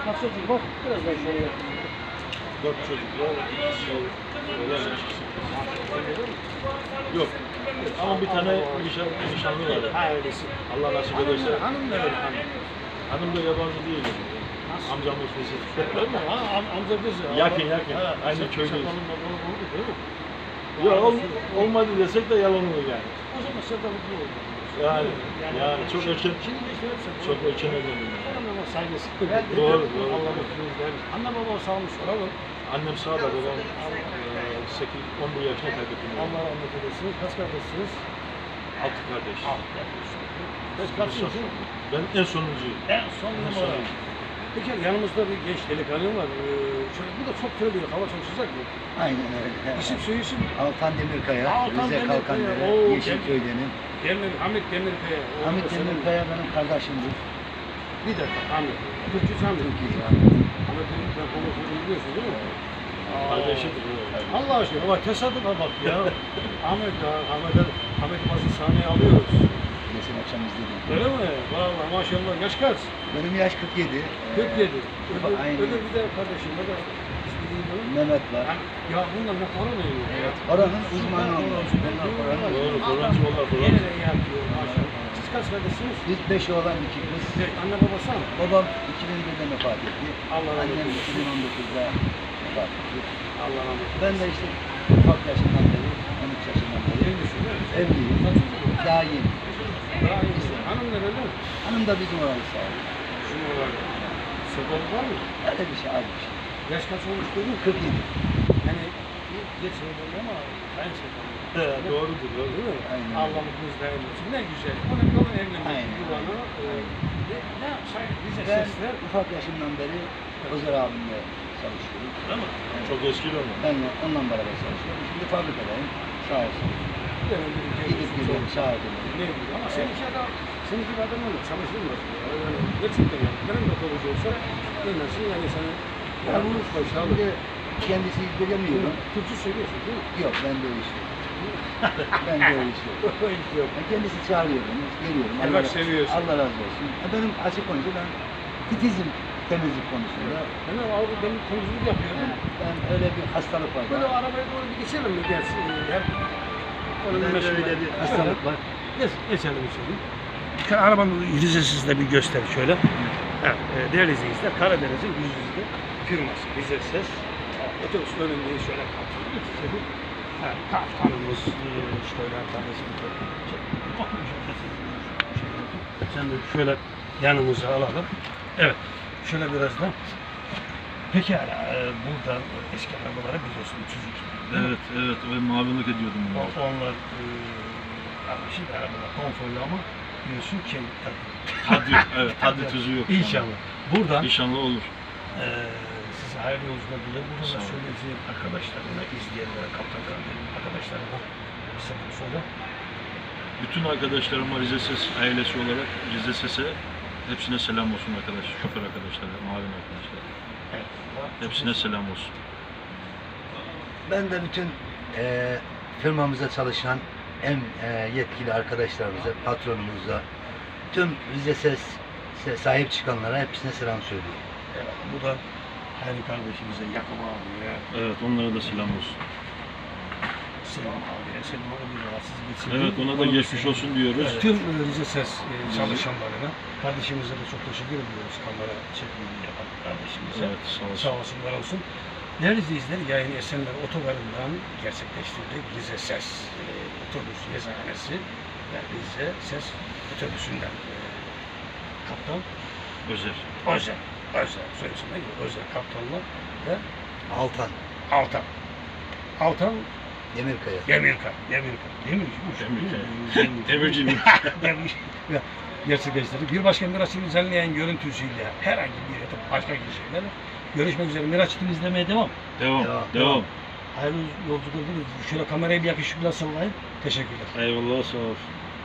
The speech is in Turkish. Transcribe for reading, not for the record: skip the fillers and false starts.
Kaç çocuk var? Biraz daha şöyle yapayım. 4 çocuk var. İkisi öğrenmiş. Yok. Ama bir tane nişanlı var. Ha öylesin. Allah nasip ederse. Hanım da öyle hanım. Hanım da yabancı değil. Nasıl? Amcamın sesi. Öyle mi? Ha amca kız ya. Yakın. Aynı köydeyiz. Sakalın babalı oldu değil mi? Yok olmadı desek de yalan olur yani. O zaman sakalıklı oldu. Yani çok erken. Şimdi işte hepsi. Çok erken evlendim. Ama saygısı. Doğru. Allah mutluluğunu vermiş. Anne baba sağmış olalım. Annem sağda babam 11 yaşına kaybettim. Allah rahmet eylesin. Kaç kardeşsiniz? 6 kardeş. Kaç kardeşsiniz? Ben en sonuncuyum. En son numara. Peki yanımızda bir genç delikanlı var. Bu da çok terliyor. Hava çok sıcak mı? Aynen öyle. İsim soyisim. Altan Demirkaya, Altan Rize Demirkaya. Kalkandere, Oo, Yeşilköy'denim. Hamit Demirkaya. Hamit Demirkaya benim kardeşimdir. Bir dakika Hamit. Türkçü Hamit. Türkiye. Hamit Demirkaya konusunu biliyorsun değil mi? Kardeşidir. Allah aşkına bak tesadüfe bak ya. Ahmet'i bazı sahneye alıyoruz. Geçen akşam izledim. Öyle mi? Vallahi maşallah. Yaş kaç? Benim yaş 47. 47. Aynen. Öbür bir de kardeşim. O da ismi değil mi? Mehmet var. Ya bunlar ne para veriyor? Evet. Oranın uzmanı onlar. Bunlar oranın Doğru, uzmanı. Kur'ancı onlar falan. Yine de iyi yapıyor maşallah. Siz kaç kardeşsiniz? Biz 5 oğlan 2 kız. Anne babası mı? Babam 2001'de vefat etti. Allah rahmet Annem eylesin. 2019'da vefat etti. Allah rahmet eylesin. Ben de işte ufak yaşından beri, 13 yaşından beri Evlisin değil mi? evliyim. Kaç çocuk var? Daha yeni. Daha iyi. Hanım nerede? Hanım da bizim oranı sağ olun. Şunu olarak. Sebebi var mı? Öyle bir şey, az bir şey. Yaş kaç olmuş dedin? 47. Yani geç söyledi ama ben söyledim. Doğrudur. Değil mi? Aynen. Allah mutluluğunuz daim olsun. Ne güzel. Önemli olan evlenmek. Aynen. Yuvanı. Ne yapsak? Bize Ben sesler. ufak yaşımdan beri Özer abimle çalışıyorum. Değil mi? Çok eski de onlar. Ben onunla beraber çalışıyorum. Şimdi fabrikadayım. Sağ olsun. Gidip geliyorum, şahit ediyorum. Ne bileyim ama seninki adam, seninki bir adam öyle çalışılmaz. Yani gerçekten yani. Benim de kalıcı olsa dinlersin yani sana yalnız başarılı. Şimdi kendisi ilgileniyorum. Türkçe söylüyorsun değil mi? Yok, ben de o iş yok. Ben de o iş yok. Yok. Ben kendisi çağırıyorum, geliyorum. Bak seviyorsun. Allah razı olsun. Benim açık konuşu, ben titizim temizlik konusunda. Hemen abi benim temizlik yapıyorum. Ben öyle bir hastalık var. Böyle arabaya doğru bir geçelim mi gelsin? Hep Bende öyle bir hastalık var. Geçelim içeri. Şu arabanın vizesini de bir göster şöyle. Evet, değerli izleyiciler, Karadeniz'in yüzüzde firması Rize Ses. Otobüs önündeyiz şöyle kaptanımız. Evet, kaptanımız şöyle kardeşim. Sen de şöyle yanımıza alalım. Evet, şöyle biraz da. Pekala, burada eski arabaları biliyorsun, 302. Evet. Ben muavinlik ediyordum. Onlar şimdi arabalar konforlu ama biliyorsun ki Tadı tuzu yok. İnşallah. Buradan İnşallah olur. size hayırlı yolculuklar dilerim. Burada Sağ da olun. söyleyeceğim arkadaşlarına, izleyenlere, kaptan kardeşlerim, arkadaşlarıma bir selam söyle. Bütün arkadaşlarıma Rize Ses ailesi olarak Rize Ses'e hepsine selam olsun arkadaş. Şoför arkadaşlara, muavin arkadaşlara. Evet. Hepsine selam olsun. Ben de bütün firmamıza çalışan en yetkili arkadaşlarımıza, patronumuza, tüm Rize Ses'e sahip çıkanlara hepsine selam söylüyorum. Evet. Bu da Hayri kardeşimize, Yakup abiye, Evet, onlara da selam olsun. Selim abiye, Selim abi bir rahatsız geçirdi. Evet, ona da geçmiş olsun diyoruz. Evet. Tüm Rize Ses çalışanlarına, kardeşimize de çok teşekkür ediyoruz. Kamera çekimini yapan kardeşimize. Evet, sağ olsun. Sağ olsunlar olsun. Değerli izleyiciler, yayın Esenler Otogarı'ndan gerçekleştirdik. Rize Ses otobüs yazıhanesi ve Rize Ses otobüsünden kaptan Özer. Özer söylesin değil mi? Özer kaptanla ve Altan Demirkaya. Demirci Demirci. gerçekleştirdik. Bir başka Miraç'ı düzenleyen görüntüsüyle herhangi bir yatıp başka kişilerle görüşmek üzere. Miraç'ı izlemeye devam. Devam. Hayırlı yolculuklar. Şöyle kamerayı bir yakışıklı sallayın. Teşekkürler. Eyvallah, sağ ol.